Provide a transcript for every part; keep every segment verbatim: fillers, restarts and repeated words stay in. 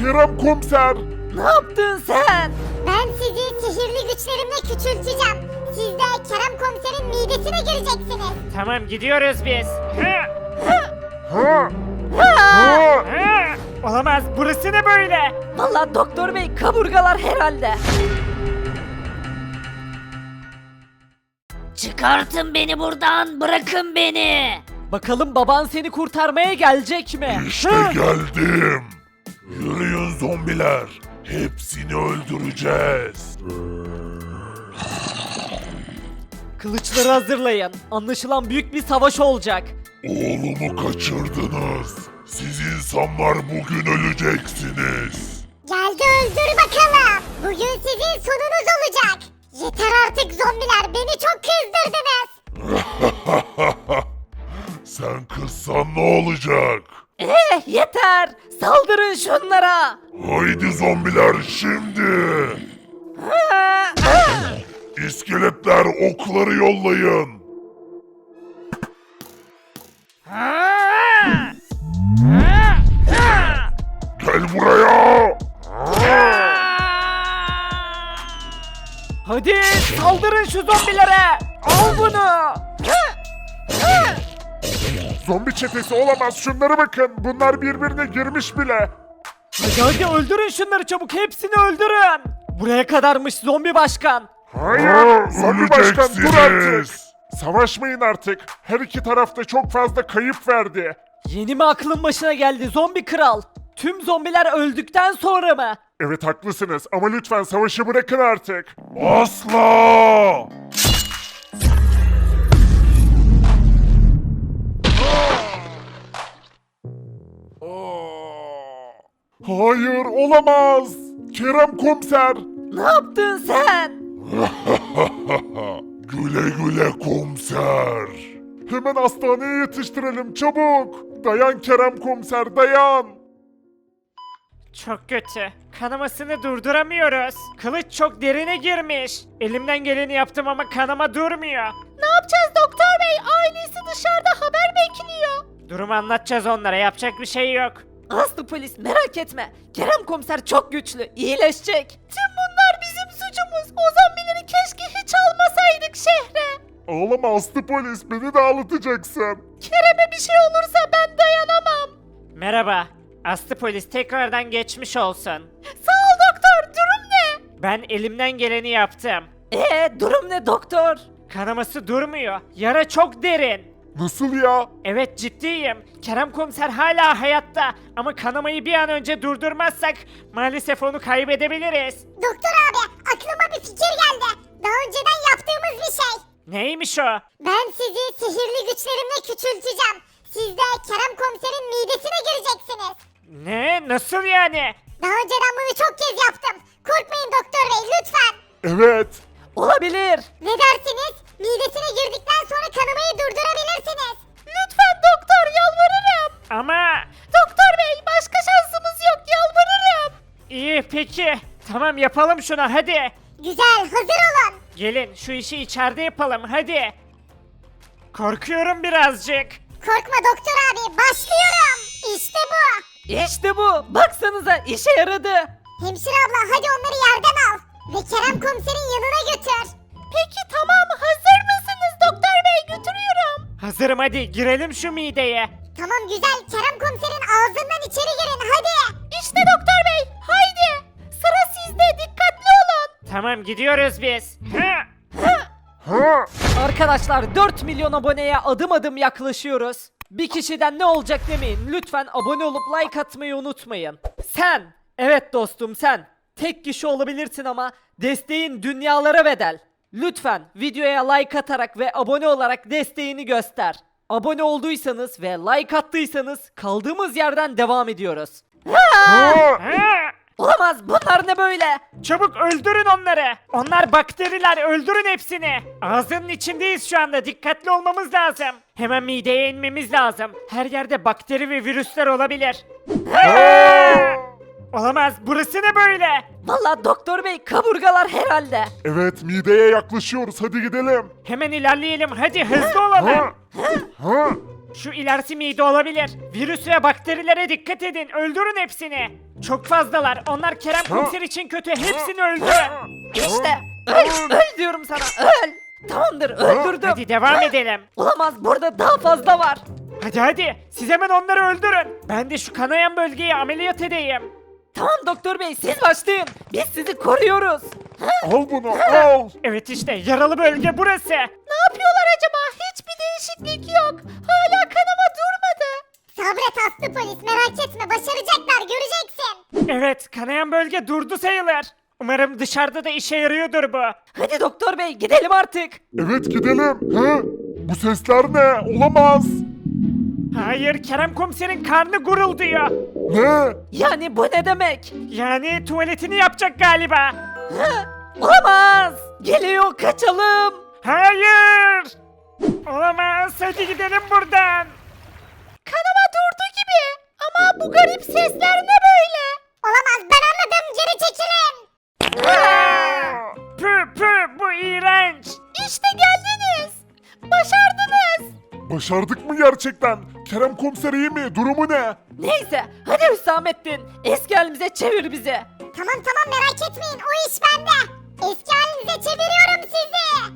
Kerem komiser. Ne yaptın sen? Ben sizi sihirli güçlerimle küçülteceğim. Siz de Kerem komiserin midesine gireceksiniz. Tamam gidiyoruz biz. Hı, Ha? Ha? hı. Olamaz, burası ne böyle? Vallahi doktor bey kaburgalar herhalde. Çıkartın beni buradan, bırakın beni. Bakalım baban seni kurtarmaya gelecek mi? İşte geldim. Yürüyün zombiler. Hepsini öldüreceğiz. Kılıçları hazırlayın. Anlaşılan büyük bir savaş olacak. Oğlumu kaçırdınız. Siz insanlar bugün öleceksiniz. Gel de öldür bakalım. Bugün sizin sonunuz olacak. Yeter artık zombiler, beni çok kızdırdınız. Sen kızsan ne olacak? Eh yeter. Saldırın şunlara. Haydi zombiler şimdi. İskeletler okları yollayın. Gel buraya. Hadi saldırın şu zombilere. Al bunu. Zombi çetesi olamaz, şunlara bakın. Bunlar birbirine girmiş bile. Hadi hadi öldürün şunları çabuk. Hepsini öldürün. Buraya kadarmış zombi başkan. Hayır, zombi başkan dur artık. Öleceksiniz. Savaşmayın artık. Her iki tarafta çok fazla kayıp verdi. Yeni mi aklın başına geldi zombi kral? Tüm zombiler öldükten sonra mı? Evet haklısınız ama lütfen savaşı bırakın artık. Asla! Hayır olamaz. Kerem komiser. Ne yaptın sen? Güle güle komiser. Hemen hastaneye yetiştirelim çabuk. Dayan Kerem komiser dayan. Çok kötü. Kanamasını durduramıyoruz. Kılıç çok derine girmiş. Elimden geleni yaptım ama kanama durmuyor. Ne yapacağız doktor bey? Ailesi dışarıda haber bekliyor. Durumu anlatacağız onlara, yapacak bir şey yok. Aslı polis merak etme. Kerem komiser çok güçlü. İyileşecek. Tüm bunlar bizim suçumuz. O zombileri keşke hiç almasaydık şehre. Ağlama Aslı polis, beni de ağlatacaksın. Kerem'e bir şey olursa ben dayanamam. Merhaba. Aslı polis tekrardan geçmiş olsun. Sağ ol doktor. Durum ne? Ben elimden geleni yaptım. Ee durum ne doktor? Kanaması durmuyor. Yara çok derin. Nasıl ya? Evet ciddiyim. Kerem komiser hala hayatta ama kanamayı bir an önce durdurmazsak maalesef onu kaybedebiliriz. Doktor abi, aklıma bir fikir geldi. Daha önceden yaptığımız bir şey. Neymiş o? Ben sizi sihirli güçlerimle küçülteceğim. Siz de Kerem komiserin midesine gireceksiniz. Ne? Nasıl yani? Daha önceden bunu çok kez yaptım. Korkmayın doktor bey, lütfen. Evet. Olabilir. Ne dersiniz? Midesine girdikten sonra kanamayı durdurabilirsiniz. Lütfen doktor yalvarırım. Ama Doktor bey başka şansımız yok yalvarırım. iyi peki. Tamam yapalım şunu hadi. Güzel, hazır olun. Gelin şu işi içeride yapalım hadi. Korkuyorum birazcık. Korkma doktor abi, başlıyorum. İşte bu. İşte bu. Baksanıza işe yaradı. Hemşire abla, hadi onları yerden al. Ve Kerem komiserin yanına götür. Peki tamam hazır mısınız doktor bey götürüyorum. Hazırım hadi girelim şu mideye. Tamam güzel, Kerem komiserin ağzından içeri girin hadi. İşte doktor bey haydi. Sıra sizde dikkatli olun. Tamam gidiyoruz biz. Hı. Ha? Arkadaşlar dört milyon aboneye adım adım yaklaşıyoruz. Bir kişiden ne olacak demeyin. Lütfen abone olup like atmayı unutmayın. Sen, evet dostum sen. Tek kişi olabilirsin ama desteğin dünyalara bedel. Lütfen videoya like atarak ve abone olarak desteğini göster. Abone olduysanız ve like attıysanız kaldığımız yerden devam ediyoruz. Ha? Hı. Olamaz bunlar ne böyle? Çabuk öldürün onları. Onlar bakteriler, öldürün hepsini. Ağzının içindeyiz şu anda, dikkatli olmamız lazım. Hemen mideye inmemiz lazım. Her yerde bakteri ve virüsler olabilir. Aa! Olamaz, burası ne böyle? Vallahi doktor bey kaburgalar herhalde. Evet mideye yaklaşıyoruz, hadi gidelim. Hemen ilerleyelim, hadi hızlı olalım. Ha? Ha? Şu ilerisi mide olabilir. Virüs ve bakterilere dikkat edin. Öldürün hepsini. Çok fazlalar. Onlar Kerem Komiser için kötü. Hepsini öldürün. İşte öl, öl diyorum sana öl. Tamamdır öldürdüm. Hadi devam edelim. Olamaz burada daha fazla var. Hadi hadi. Siz hemen onları öldürün. Ben de şu kanayan bölgeyi ameliyat edeyim. Tamam doktor bey siz başlayın. Biz sizi koruyoruz. Al bunu al. Evet işte yaralı bölge burası. Ne yapıyorlar acaba? Hiçbir değişiklik yok. Hala kanama durmadı. Sabret aslı polis merak etme başaracaklar göreceksin. Evet kanayan bölge durdu sayılır. Umarım dışarıda da işe yarıyordur bu. Hadi doktor bey gidelim artık. Evet gidelim. He? Bu sesler ne? Olamaz. Hayır Kerem Komiser'in karnı gurulduyor. Ne? Yani bu ne demek? Yani tuvaletini yapacak galiba. Hı? Olamaz. Geliyor kaçalım. Hayır! Olamaz hadi gidelim buradan. Kanama durdu gibi. Ama bu garip sesler ne böyle? Olamaz ben anladım geri çekilin. Pü pü bu iğrenç. İşte geldiniz. Başardınız. Başardık mı gerçekten? Kerem Komiser iyi mi? Durumu ne? Neyse hadi Hüsamettin. Eski halimize çevir bizi. Tamam tamam merak etmeyin o iş bende. Eski halinize çeviriyorum sizi.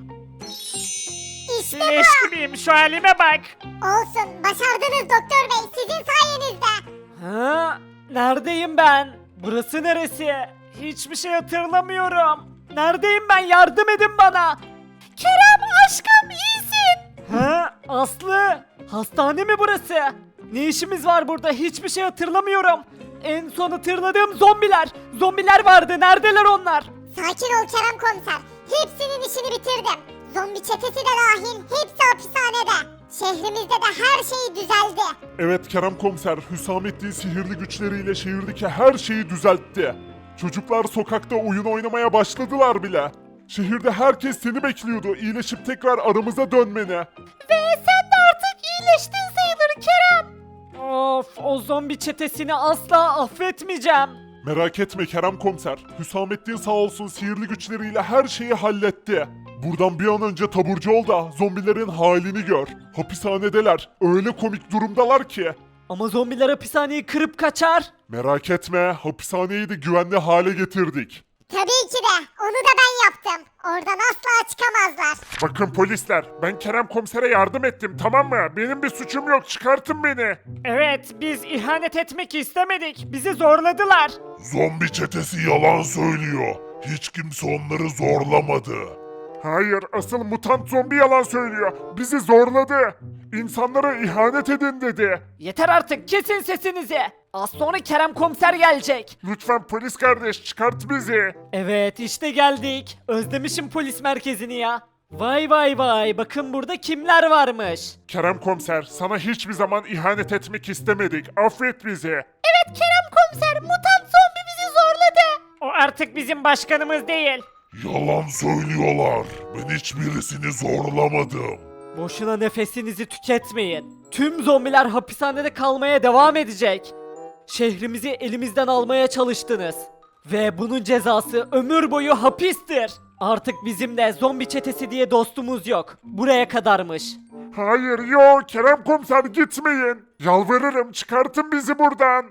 İşte Leş bu. gibiyim şu halime bak. Olsun başardınız doktor bey sizin sayenizde. Ha? Neredeyim ben? Burası neresi? Hiçbir şey hatırlamıyorum. Neredeyim ben? Yardım edin bana. Kerem aşkım iyisin. Ha Aslı. Hastane mi burası? Ne işimiz var burada? Hiçbir şey hatırlamıyorum. En son hatırladığım zombiler. Zombiler vardı. Neredeler onlar? Sakin ol Kerem komiser. Hepsinin işini bitirdim. Zombi çetesi de dahil hepsi hapishanede. Şehrimizde de her şey düzeldi. Evet Kerem Komiser, Hüsamettin sihirli güçleriyle şehirdeki her şeyi düzeltti. Çocuklar sokakta oyun oynamaya başladılar bile. Şehirde herkes seni bekliyordu, iyileşip tekrar aramıza dönmeni. Ve sen de artık iyileştin sayılır Kerem. Of o zombi çetesini asla affetmeyeceğim. Merak etme Kerem Komiser, Hüsamettin sağ olsun sihirli güçleriyle her şeyi halletti. Buradan bir an önce taburcu ol da zombilerin halini gör. Hapishanedeler, öyle komik durumdalar ki. Ama zombiler hapishaneyi kırıp kaçar. Merak etme, hapishaneyi de güvenli hale getirdik. Tabii ki de onu da ben yaptım. Oradan asla çıkamazlar. Bakın polisler, ben Kerem Komiser'e yardım ettim tamam mı? Benim bir suçum yok, çıkartın beni. Evet biz ihanet etmek istemedik. Bizi zorladılar. Zombi çetesi yalan söylüyor. Hiç kimse onları zorlamadı. Hayır, asıl mutant zombi yalan söylüyor. Bizi zorladı. İnsanlara ihanet edin dedi. Yeter artık kesin sesinizi. Az sonra Kerem komiser gelecek. Lütfen polis kardeş çıkart bizi. Evet işte geldik. Özlemişim polis merkezini ya. Vay vay vay bakın burada kimler varmış. Kerem Komiser, sana hiçbir zaman ihanet etmek istemedik. Affet bizi. Evet Kerem komiser mutant zombi bizi zorladı. O artık bizim başkanımız değil. Yalan söylüyorlar. Ben hiçbirisini zorlamadım. Boşuna nefesinizi tüketmeyin. Tüm zombiler hapishanede kalmaya devam edecek. Şehrimizi elimizden almaya çalıştınız. Ve bunun cezası ömür boyu hapistir. Artık bizim de zombi çetesi diye dostumuz yok. Buraya kadarmış. Hayır yok Kerem Komiser gitmeyin. Yalvarırım çıkartın bizi buradan.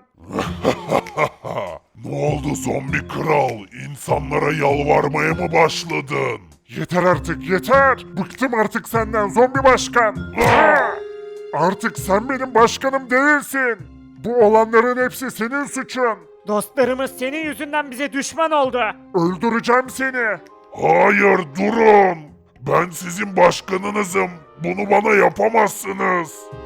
Ne oldu zombi kral? İnsanlara yalvarmaya mı başladın? Yeter artık yeter. Bıktım artık senden zombi başkan. Ah! Artık sen benim başkanım değilsin. Bu olanların hepsi senin suçun. Dostlarımız senin yüzünden bize düşman oldu. Öldüreceğim seni. Hayır durun. Ben sizin başkanınızım. Bunu bana yapamazsınız.